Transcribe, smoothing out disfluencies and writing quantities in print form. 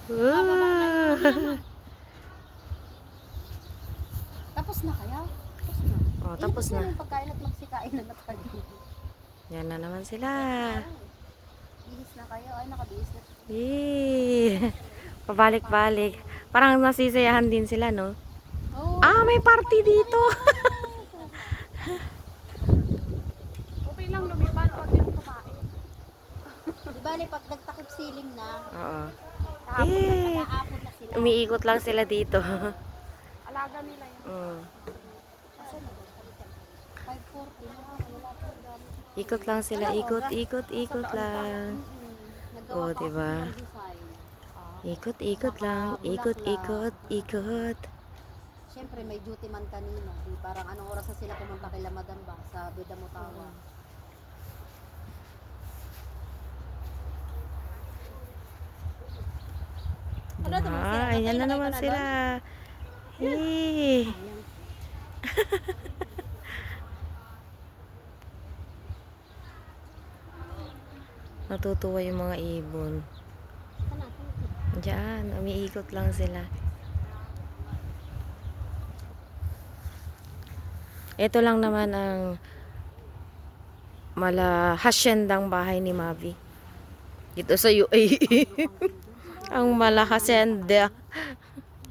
Uh. Tapos na kaya? Tapos na. Oh, tapos na. Yung pagkain at magsikain na tayo. Yan na naman sila. Bihis na kayo. Ay, nakabihis na. Yee. Pabalik-balik. Parang nasisiyahan din sila, no? Oh, Ah, may party dito. okay lang lumipad pag yung kumain. Di ba, pag nagtakip siling na, Oo. kahapon na sila. Umiikot lang sila dito. Alaga nila yun. Mm. Asan na ba? 5:40 na. Wala pa yung gamit. Ikot lang sila. Ikot, ikot, ikot lang. Oh, diba? Ikot, ikot lang. Ikot, ikot, ikot. Siyempre, may duty man kanina. Di, parang anong oras na sila pumunta kay Madam ba? Sa Beda Mutawa. Ah, ayan na naman sila. Hey. Natutuwa yung mga ibon. Diyan, umiikot lang sila. Ito lang naman ang hasyendang bahay ni Mavi. Dito sa UAE. Ang hasyenda.